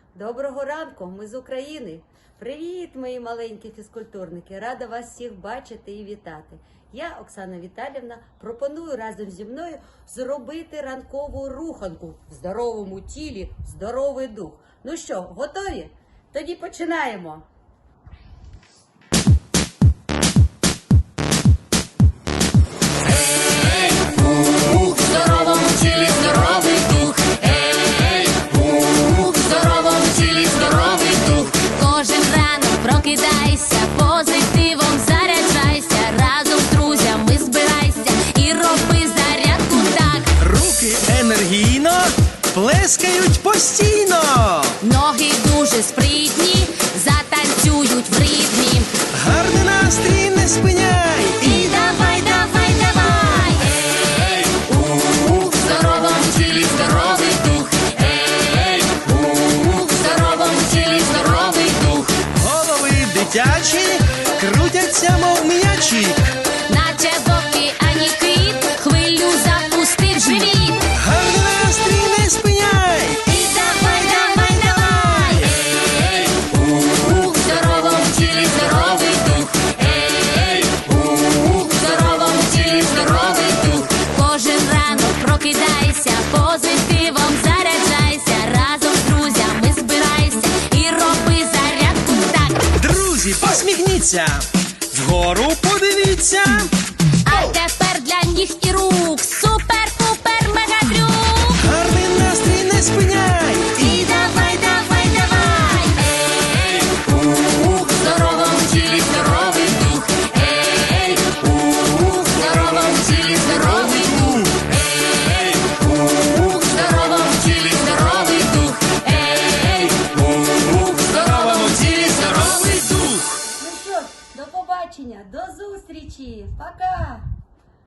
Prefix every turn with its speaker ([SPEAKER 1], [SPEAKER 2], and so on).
[SPEAKER 1] Доброго ранку, ми з України. Привіт, мої маленькі фізкультурники! Рада вас всіх бачити і вітати. Я, Оксана Віталіївна, пропоную разом зі мною зробити ранкову руханку. В здоровому тілі здоровий дух. Ну що, готові? Тоді починаємо.
[SPEAKER 2] В здоровому тілі здоровий дух. Ей, в здоровому тілі здоровий дух.
[SPEAKER 3] Кожен ранок прокидайся, позитивом заряджайся, разом з друзями збирайся і роби зарядку так.
[SPEAKER 4] Руки енергійно плескають постійно.
[SPEAKER 3] Ноги дуже спритні, затанцюють в ритмі.
[SPEAKER 4] Гарний настрій не спиняй.
[SPEAKER 3] І давай, давай, давай.
[SPEAKER 2] Ей, в здоровому тілі здоровий дух. Ей, в здоровому тілі здоровий дух.
[SPEAKER 4] Голови дитячі крутяться, мов м'ячі.
[SPEAKER 3] Наче в океані кит, хвилю запустив живіт.
[SPEAKER 4] Гарний настрій не спиняй.
[SPEAKER 3] І давай, давай, давай.
[SPEAKER 2] Ей, в здоровому тілі здоровий дух. Ей, в здоровому тілі здоровий дух.
[SPEAKER 3] Кожен ранок прокидайся, позитивом заряджайся, разом з друзями збирайся і роби зарядку так.
[SPEAKER 4] Друзі, посміхніться. Вгору подивіться.
[SPEAKER 3] А тепер для ніг і рук супер-пупер мегатрюк.
[SPEAKER 4] Гарний настрій не спиняй.
[SPEAKER 3] І давай, давай, давай.
[SPEAKER 2] Ей, в здоровому тілі здоровий дух. Ей, в здоровому тілі здоровий дух. Ей, в здоровому тілі здоровий дух. Ей, в здоровому тілі здоровий дух.
[SPEAKER 1] Ну що ж, до побачення, до зустрічі, пока!